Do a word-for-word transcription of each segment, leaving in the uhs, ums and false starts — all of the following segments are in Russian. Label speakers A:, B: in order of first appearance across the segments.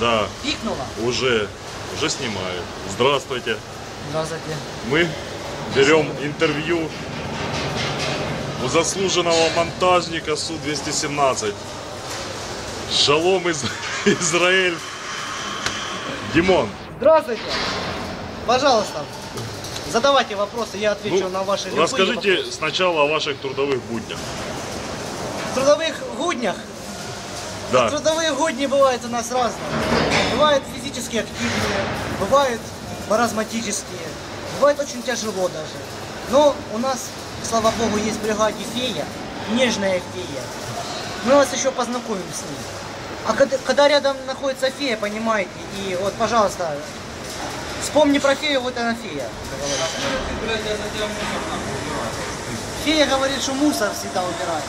A: Да.
B: Пикнула?
A: Уже, уже снимают. Здравствуйте.
B: Здравствуйте.
A: Мы берем интервью у заслуженного монтажника Су двести семнадцать. Шалом из Израиль. Димон.
B: Здравствуйте. Пожалуйста, задавайте вопросы, я отвечу
A: Ну,
B: на ваши любые
A: расскажите
B: вопросы.
A: сначала о ваших трудовых буднях.
B: В трудовых буднях?
A: Да.
B: Трудовые будни бывают у нас разные. Бывают физически активные, бывают маразматические, бывает очень тяжело даже. Но у нас, слава богу, есть в бригаде фея, нежная фея. Мы вас еще познакомим с ней. А когда, когда рядом находится фея, понимаете, и вот, пожалуйста, вспомни про фею, вот она фея. Фея говорит, что мусор всегда убирает.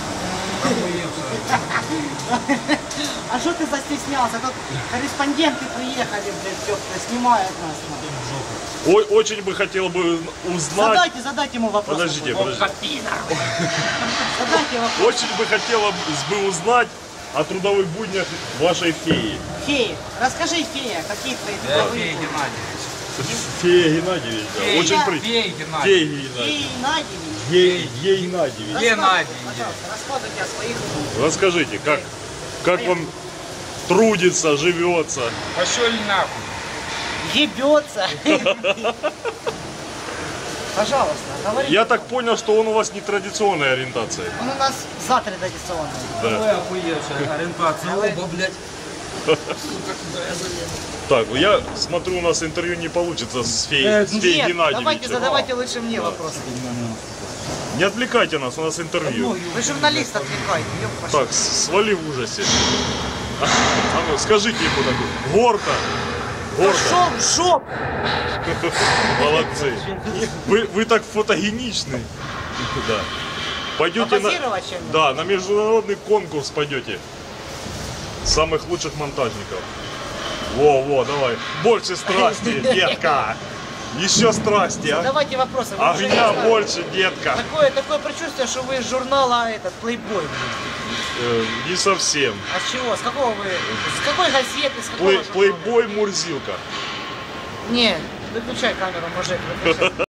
B: А что ты застеснялся? Тут корреспонденты приехали, блядь, тёплые, снимают нас.
A: Ой, очень бы хотел бы узнать.
B: Задайте, задайте ему вопрос.
A: Подождите, подождите.
B: Задайте вопрос.
A: Очень бы хотелось бы узнать о трудовых буднях вашей феи.
B: Фея, расскажи, фея, какие твои трудовые будни?
A: Фея Геннадьевич, да.
B: Фея.
A: Очень при...
C: Фея Геннадьевич.
A: Фея
B: Фея
A: Геннадьевич.
B: Геннадьевич.
A: Е- Е- Геннадьевич.
C: Геннадьевич.
B: Пожалуйста, рассказывайте о своих буднях.
A: Расскажите, как, как вам трудится, живется?
C: Пошел нахуй.
B: Ебется. Пожалуйста, говорите.
A: Я так понял, что он у вас не традиционной ориентации.
B: Он у нас за традиционный.
A: Да.
C: Охуевшая ориентация. Оба, блядь.
A: Так, я смотрю, у нас интервью не получится с феей,
C: Э,
A: с феей
B: Нет,
A: Геннадьевичем.
B: давайте задавайте лучше мне вопросы.
A: Не отвлекайте нас, у нас интервью.
B: Вы журналист, отвлекайте. ёб вашу.
A: Так, свали в ужасе. А ну, скажите ему так, гордо. Гордо.
B: Пошел в жопу.
A: Молодцы. Вы, вы так фотогеничны. Да. Пойдете на,
B: Попозировать чем-нибудь?
A: да, на международный конкурс пойдете. Самых лучших монтажников. Во, во, давай. Больше страсти, детка. Еще страсти, а?
B: Давайте вопросы. Вы уже не
A: Огня
B: знаете.
A: больше, детка.
B: Такое, такое предчувствие, что вы из журнала этот, Playboy.
A: Э, не совсем.
B: А с чего? С какого вы? С какой газеты? С какого
A: Плей,
B: журнала?
A: плейбой Мурзилка.
B: Не, выключай камеру, мужик, выключай.